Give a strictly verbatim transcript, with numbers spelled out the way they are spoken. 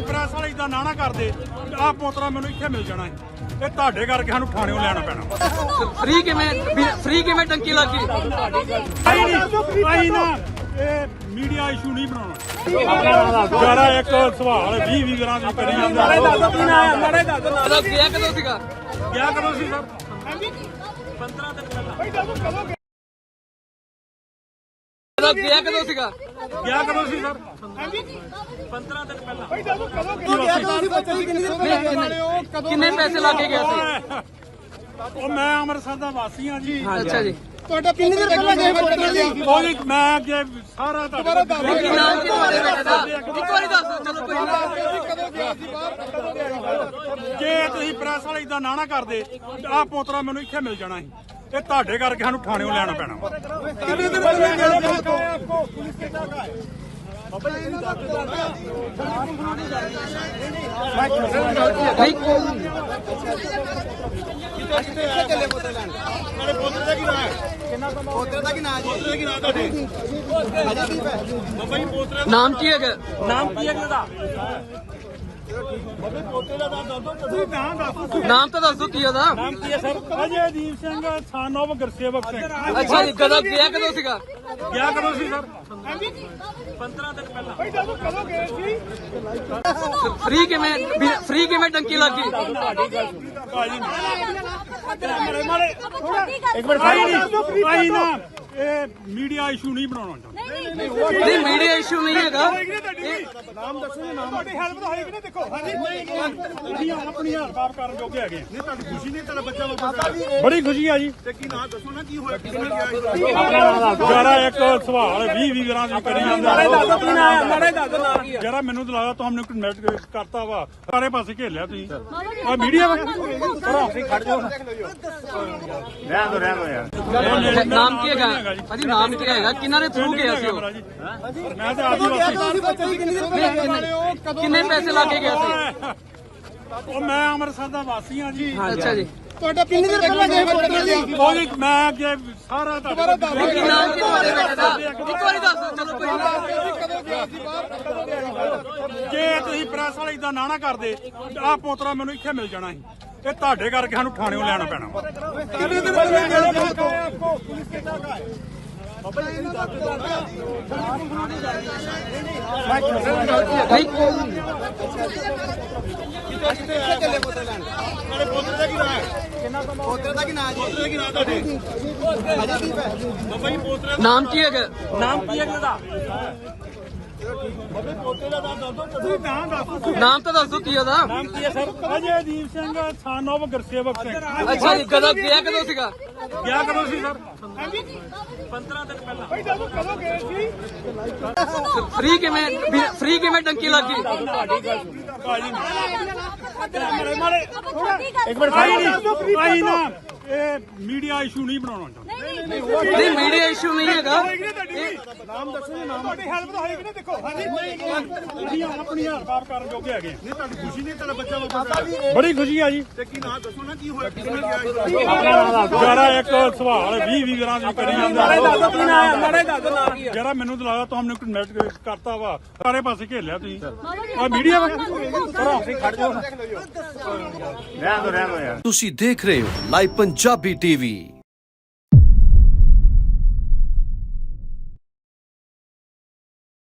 Press ਵਾਲੇ ਇਦਾਂ ਨਾ ਨਾ ਕਰਦੇ ਆਹ ਪੋਤਰਾ ਮੈਨੂੰ ਇੱਥੇ ਮਿਲ ਜਾਣਾ ਹੈ ਇਹ ਤੁਹਾਡੇ ਕਰਕੇ ਸਾਨੂੰ ਥਾਣਿਓਂ ਲੈਣਾ ਪੈਣਾ ਫ੍ਰੀ ਕਿਵੇਂ ਫ੍ਰੀ ਕਿਵੇਂ ਟੰਕੀ ਲੱਗੀ ਆਈ ਨਾ ਇਹ ਮੀਡੀਆ ਇਸ਼ੂ ਨਹੀਂ ਬਣਾਉਣਾ ਜਰਾ ਇੱਕ ਸਵਾਲ ਵੀਹ ਵੀਹ ਗਰਾਂ ਦੀ ਕਰੀ ਜਾਂਦਾ ਮਾੜੇ ਦੱਸ ਗਿਆ ਕਦੋਂ ਸੀਗਾ ਗਿਆ ਕਦੋਂ ਸੀ ਸਰ ਪੰਦਰਾਂ ਦਿਨ ਪਹਿਲਾਂ ਗਿਆ ਕਦੋਂ ਸੀਗਾ ਗਿਆ ਕਦੋਂ ਸੀ ਸਰ ਪੰਦਰਾਂ ਦਿਨ ਪਹਿਲਾਂ ਕਿੰਨੇ ਪੈਸੇ ਲਾ ਕੇ ਗਿਆ ਸੀ ਉਹ ਮੈਂ ਅੰਮ੍ਰਿਤਸਰ ਦਾ ਵਾਸੀ ਹਾਂ ਜੀ ਅੱਛਾ ਜੀ ਤੁਹਾਡਾ ਕਿੰਨੇ ਦਿਨ ਪਹਿਲਾਂ ਗਏ ਪੋਤਰਾ ਜੀ ਉਹ ਜੀ ਮੈਂ ਅੱਗੇ ਸਾਰਾ ਤੁਹਾਡਾ ਕੀ ਨਾਮ ਕੀ ਤੁਹਾਡੇ ਬੇਟੇ ਦਾ ਇੱਕ ਵਾਰੀ ਦੱਸੋ ਚਲੋ ਕੋਈ ਨਾ ਕਦੋਂ ਗਿਆ ਸੀ ਬਾਹਰ ਕਦੋਂ ਗਿਆ ਜੇ ਤੁਸੀਂ ਪ੍ਰੈਸ ਵਾਲੇ ਇਦਾਂ ਨਾ ਨਾ ਕਰਦੇ ਆਹ ਪੋਤਰਾ ਮੈਨੂੰ ਇੱਥੇ ਮਿਲ ਜਾਣਾ ਸੀ ਇਹ ਤੁਹਾਡੇ ਕਰਕੇ ਸਾਨੂੰ ਥਾਣਿਓਂ ਲੈਣਾ ਪੈਣਾ ਕਿੰਨੇ ਦਿਨ ਪਹਿਲਾਂ ਗਏ ਆਪਕੋ ਪੁਲਿਸ ਕੇ क्या है ਨਾਮ ਕੀ ਹੈਗਾ ਨਾਮ ਕੀ ਹੈਗਾ ਦਾ ਨਾਮ ਤਾਂ ਦੱਸੋ ਕੀ ਉਹਦਾ ਨਾਮ ਕੀ ਹੈ sir Ajaydeep Singh son of Gursewak Singh ਅੱਛਾ ਜੀ ਕਦੋਂ ਗਿਆ ਕਦੋਂ ਸੀਗਾ ਗਿਆ ਕਦੋਂ ਸੀ ਸਰ ਪੰਦਰਾਂ ਦਿਨ ਪਹਿਲਾਂ ਕਦੋਂ ਗਏ ਸੀ ਫ੍ਰੀ ਕਿਵੇਂ ਫ੍ਰੀ ਕਿਵੇਂ ਟੰਕੀ ਲੱਗੀ ਭਾਜੀ ਮਾਰੇ ਮਾਰੇ ਇੱਕ ਮਿੰਟ ਭਾਈ ਨਾ ਇਹ ਮੀਡੀਆ ਇਸ਼ੂ ਨਹੀਂ ਬਣਾਉਣਾ ਚਾਹੁੰਦਾ ਨਹੀਂ ਮੀਡੀਆ ਇਸ਼ੂ ਨਹੀਂ ਹੈਗਾ ਨਾਮ ਦੱਸੋ ਜੀ ਨਾਮ ਤੁਹਾਡੀ ਹੈਲਪ ਤਾਂ ਹੋਏਗੀ ਨਾ ਦੇਖੋ ਹਾਂਜੀ ਤੁਸੀਂ ਆਪਣੀ ਹੈਲਪ ਆਪ ਕਰਨ ਜੋਗੇ ਹੈਗੇ ਨਹੀਂ ਤੁਹਾਡੀ ਖੁਸ਼ੀ ਨਹੀਂ ਤੁਹਾਡਾ ਬੱਚਾ ਬੱਚਾ ਬੜੀ ਖੁਸ਼ੀ ਆ ਜੀ ਤੇ ਕੀ ਨਾਮ ਦੱਸੋ ਨਾ ਕੀ ਹੋਇਆ ਕਿਸ ਨੇ ਗਿਆ ਜਰਾ ਇੱਕ ਸਵਾਲ ਵੀਹ ਵੀਹ ਗਰਾਂ ਦੀ ਕਰੀ ਜਾਂਦਾ ਜਰਾ ਮੈਨੂੰ ਤਾਂ ਲੱਗਦਾ ਤੁਹਾਨੂੰ ਕਨੈਕਟ ਕਰਤਾ ਵਾ ਸਾਰੇ ਪਾਸੇ ਘੇਲਿਆ ਤੁਸੀਂ ਆ ਮੀਡੀਆ ਵਾ ਤੁਸੀਂ ਖੜ ਜਾਓ ਰਹਿਣ ਦੋ ਰਹਿਣ ਦੋ ਯਾਰ ਨਾਮ ਕੀ ਹੈਗਾ ਭਾਜੀ ਨਾਮ ਕੀ ਹੈਗਾ ਕਿਹਨਾਂ ਦੇ ਥਰੂ ਗਿਆ ਸੀ ਉਹ ਮੈਂ ਤਾਂ ਆਦੀਵਾਸੀ ਕਿੰਨੇ ਪੈਸੇ ਲਾ ਕੇ ਗਿਆ ਸੀ ਉਹ ਮੈਂ ਅੰਮ੍ਰਿਤਸਰ ਦਾ ਵਾਸੀ ਹਾਂ ਜੀ ਅੱਛਾ ਜੀ ਤੁਹਾਡਾ ਕਿੰਨੇ ਦਿਨ ਪਹਿਲਾਂ ਗਏ ਪੋਤਰਾ ਜੀ ਉਹ ਜੀ ਮੈਂ ਅੱਗੇ ਸਾਰਾ ਤੁਹਾਡਾ ਕੀ ਨਾਮ ਕੀ ਤੁਹਾਡੇ ਬੇਟੇ ਦਾ ਇੱਕ ਵਾਰੀ ਦੱਸੋ ਚਲੋ ਕੋਈ ਨਾ ਕਦੋਂ ਗਿਆ ਸੀ ਬਾਹਰ ਕਦੋਂ ਗਿਆ ਜੇ ਤੁਸੀਂ ਪ੍ਰੈਸ ਵਾਲੇ ਇਦਾਂ ਨਾ ਨਾ ਕਰਦੇ ਆਹ ਪੋਤਰਾ ਮੈਨੂੰ ਇੱਥੇ ਮਿਲ ਜਾਣਾ ਸੀ ਇਹ ਤੁਹਾਡੇ ਕਰਕੇ ਸਾਨੂੰ ਥਾਣਿਓਂ ਲੈਣਾ ਪੈਣਾ ਕਿੰਨੇ ਦਿਨ ਪਹਿਲਾਂ ਗਏ ਆਪਕੋ ਪੁਲਿਸ ਕੇ क्या है ਨਾਮ ਕੀ ਹੈਗਾ ਨਾਮ ਕੀ ਹੈਗਾ ਦਾ ਨਾਮ ਤਾਂ ਦੱਸੋ ਕੀ ਉਹਦਾ ਨਾਮ ਕੀ ਹੈ sir Ajaydeep Singh son of Gursewak Singh ਅੱਛਾ ਜੀ ਕਦੋਂ ਗਿਆ ਕਦੋਂ ਸੀਗਾ ਗਿਆ ਕਦੋਂ ਸੀ ਸਰ ਪੰਦਰਾਂ ਦਿਨ ਪਹਿਲਾਂ ਕਦੋਂ ਗਏ ਸੀ ਫ੍ਰੀ ਕਿਵੇਂ ਫ੍ਰੀ ਕਿਵੇਂ ਟੰਕੀ ਲੱਗੀ ਭਾਜੀ ਮਾਰੇ ਮਾਰੇ ਇੱਕ ਮਿੰਟ ਭਾਈ ਨਾ ਇਹ ਮੀਡੀਆ ਇਸ਼ੂ ਨਹੀਂ ਬਣਾਉਣਾ ਚਾਹੁੰਦਾ ਨਹੀਂ ਮੀਡੀਆ ਇਸ਼ੂ ਨਹੀਂ ਹੈਗਾ ਨਾਮ ਦੱਸੋ ਜੀ ਨਾਮ ਤੁਹਾਡੀ ਹੈਲਪ ਤਾਂ ਹੋਏਗੀ ਨਾ ਦੇਖੋ ਹਾਂਜੀ ਤੁਸੀਂ ਆਪਣੀ ਹੈਲਪ ਆਪ ਕਰਨ ਜੋਗੇ ਹੈਗੇ ਨਹੀਂ ਤੁਹਾਡੀ ਖੁਸ਼ੀ ਨਹੀਂ ਤੁਹਾਡਾ ਬੱਚਾ ਬੱਚਾ ਬੜੀ ਖੁਸ਼ੀ ਆ ਜੀ ਤੇ ਕੀ ਨਾਮ ਦੱਸੋ ਨਾ ਕੀ ਹੋਇਆ ਕਿਸ ਨੇ ਗਿਆ ਜਰਾ ਇੱਕ ਸਵਾਲ ਵੀਹ ਵੀਹ ਗਰਾਂ ਦੀ ਕਰੀ ਜਾਂਦਾ ਜਰਾ ਮੈਨੂੰ ਤਾਂ ਲੱਗਦਾ ਤੁਹਾਨੂੰ ਕਨੈਕਟ ਕਰਤਾ ਵਾ ਸਾਰੇ ਪਾਸੇ ਘੇਲਿਆ ਤੁਸੀਂ ਆ ਮੀਡੀਆ ਵਾ ਤੁਸੀਂ ਖੜ ਜਾਓ ਰਹਿਣ ਦੋ ਰਹਿਣ ਦੋ ਯਾਰ ਤੁਸੀਂ ਦੇਖ ਰਹੇ ਹੋ ਲਾਈਵ ਪੰਜਾਬੀ ਟੀਵੀ।